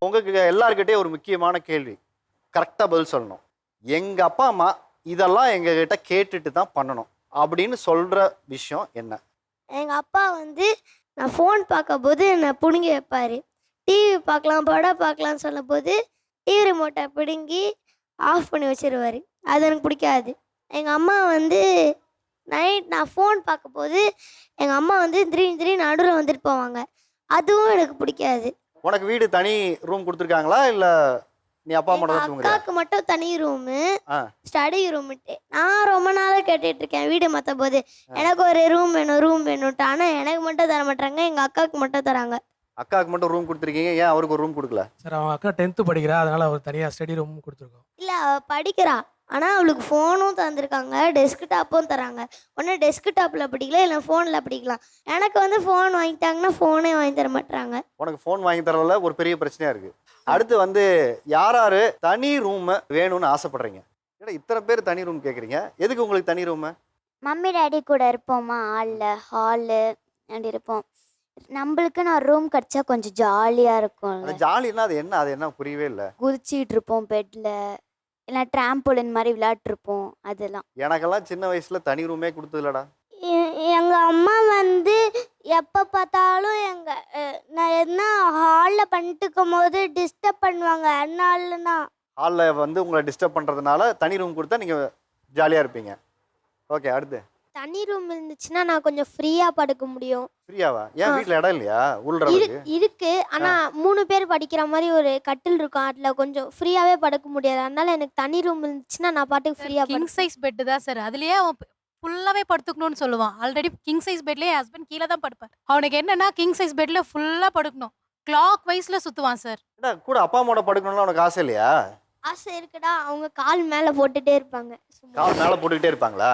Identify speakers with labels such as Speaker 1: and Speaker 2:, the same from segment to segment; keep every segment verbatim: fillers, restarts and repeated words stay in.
Speaker 1: உங்களுக்கு எல்லாருக்கிட்டே ஒரு முக்கியமான கேள்வி, கரெக்டாக பதில் சொல்லணும். எங்கள் அப்பா அம்மா இதெல்லாம் எங்ககிட்ட கேட்டுட்டு தான் பண்ணணும் அப்படின்னு சொல்கிற விஷயம் என்ன?
Speaker 2: எங்கள் அப்பா வந்து நான் ஃபோன் பார்க்கும்போது என்னை பிடுங்கி வைப்பார். டிவி பார்க்கலாம் படம் பார்க்கலான்னு சொல்லும்போது டிவி ரிமோட்டை பிடுங்கி ஆஃப் பண்ணி வச்சிருவார். அது எனக்கு பிடிக்காது. எங்கள் அம்மா வந்து நைட் நான் ஃபோன் பார்க்கும்போது எங்கள் அம்மா வந்து திடீர்னு திடீர்னு நடுவில் வந்துட்டு போவாங்க. அதுவும் எனக்கு பிடிக்காது.
Speaker 1: உனக்கு வீடு தனி ரூம் கொடுத்துருக்காங்களா இல்லை நீ அப்பா அம்மா தான் தூங்குறியா?
Speaker 2: அக்காவுக்கு மட்டும் தனி ரூமு,
Speaker 1: ஆ
Speaker 2: ஸ்டடி ரூமுட்டு. நான் ரொம்ப நாளாக கேட்டுட்டு இருக்கேன் வீடு மாற்ற போது எனக்கு ஒரு ரூம் வேணும் ரூம் வேணும்ட்டு. ஆனால் எனக்கு மட்டும் தர மாட்டாங்க, எங்கள் அக்காவுக்கு மட்டும் தராங்க.
Speaker 1: அக்காவுக்கு மட்டும் ரூம் கொடுத்துருக்கீங்க, ஏன் அவருக்கு ஒரு ரூம் கொடுக்கல?
Speaker 3: சார் அவங்க அக்கா டென்த்து படிக்கிறா, அதனால அவர் தனியாக ஸ்டடி ரூம் கொடுத்துருக்கோம்.
Speaker 2: இல்லை அவள் படிக்கிறா, ஆனால் அவளுக்கு ஃபோனும் தந்திருக்காங்க, டெஸ்க்டாப்பும் தராங்க. ஒன்று டெஸ்க்டாப்பில் படிக்கலாம் இல்லை ஃபோனில் படிக்கலாம். எனக்கு வந்து ஃபோன் வாங்கிட்டாங்கன்னா ஃபோனே வாங்கி தர மாட்டாங்க.
Speaker 1: உனக்கு ஃபோன் வாங்கி தரல ஒரு பெரிய பிரச்சனையாக இருக்குது. அடுத்து வந்து யார் யார் தனி ரூம் வேணும்னு ஆசைப்படுறீங்க? ஏன்னா இத்தனை பேர் தனி ரூம் கேட்குறீங்க, எதுக்கு உங்களுக்கு தனி ரூமு?
Speaker 4: மம்மி டேடி கூட இருப்போமா, ஹாலில் ஹாலு அப்படி இருப்போம். நம்மளுக்கு நான் ரூம் கிடச்சா கொஞ்சம் ஜாலியாக இருக்கும்ல.
Speaker 1: அந்த ஜாலின்னா அது என்ன? அது என்ன புரியவே இல்லை.
Speaker 4: குதிச்சிட்டு இருப்போம் பெட்டில், இல்லை ட்ராம்போலின் மாதிரி விளையாட்டுருப்போம். அதெல்லாம்
Speaker 1: எனக்கெல்லாம் சின்ன வயசில் தனி ரூமே கொடுத்ததில்லடா.
Speaker 2: எங்கள் அம்மா வந்து எப்போ பார்த்தாலும் எங்கள் நான் என்ன ஹாலில் பண்ணிட்டு இருக்கும் போது டிஸ்டர்ப் பண்ணுவாங்க. அதனாலனா
Speaker 1: ஹாலில் வந்து உங்களை டிஸ்டர்ப் பண்ணுறதுனால தனி ரூம் கொடுத்தா நீங்கள் ஜாலியாக இருப்பீங்க. ஓகே, அடுத்து
Speaker 2: தனி ரூம் இருந்துச்சுன்னா நான் கொஞ்சம் ஃப்ரீயாக படுக்க முடியும்.
Speaker 1: ஃப்ரீயாவா? ஏன் வீட்டில் இடம் இல்லையா உள்றதுக்கு?
Speaker 2: இருக்கு, ஆனால் மூணு பேர் படிக்கிற மாதிரி ஒரு கட்டில் இருக்கும், அதில் கொஞ்சம் ஃப்ரீயாகவே படுக்க முடியாது. அதனால எனக்கு தனி ரூம் இருந்துச்சுன்னா நான் பாட்டுக்கு ஃப்ரீயாக
Speaker 5: கிங் சைஸ் பெட்டு தான் சார். அதுலயே அவன் ஃபுல்லாவே படுத்துக்கணும்னு சொல்லுவான். ஆல்ரெடி கிங் சைஸ் பெட்லயே ஹஸ்பண்ட் கீழே தான் படுப்பார். அவனுக்கு என்னன்னா கிங் சைஸ் பெட்ல ஃபுல்லா படுக்கணும், கிளாக் வைஸ்ல சுத்துவான் சார்.
Speaker 1: என்ன கூட அப்பா அம்மாவோட படுக்கணும்னு உனக்கு ஆசை இல்லையா?
Speaker 2: ஆசை இருக்குடா, அவங்க கால் மேலே போட்டுட்டே இருப்பாங்க.
Speaker 1: கால் மேலே போட்டுக்கிட்டே இருப்பாங்களா?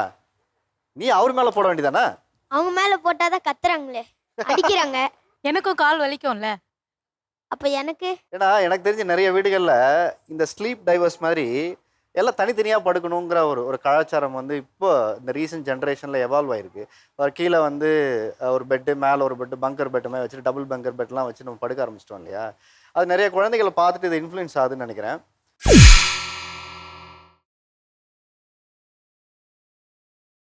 Speaker 1: நீ அவர் மேலே போட வேண்டியதானே?
Speaker 2: அவங்க மேலே போட்டால் தான் கத்துறாங்களே, அடிக்கிறாங்க.
Speaker 5: எனக்கும் கால் வலிக்கும்ல.
Speaker 2: அப்போ எனக்கு
Speaker 1: ஏன்னா எனக்கு தெரிஞ்ச நிறைய வீடுகளில் இந்த ஸ்லீப் டைவர்ஸ் மாதிரி எல்லாம் தனித்தனியாக படுக்கணுங்கிற ஒரு ஒரு கலாச்சாரம் வந்து இப்போ இந்த ரீசெண்ட் ஜென்ரேஷனில் எவால்வ் ஆகிருக்கு. கீழே வந்து ஒரு பெட்டு, மேலே ஒரு பெட்டு, பங்கர் பெட்டு மாதிரி வச்சுட்டு டபுள் பங்கர் பெட்லாம் வச்சு நம்ம படுக்க ஆரம்பிச்சிட்டோம் இல்லையா? அது நிறைய குழந்தைகளை பார்த்துட்டு இது இன்ஃப்ளூயன்ஸ் ஆகுதுன்னு நினைக்கிறேன்.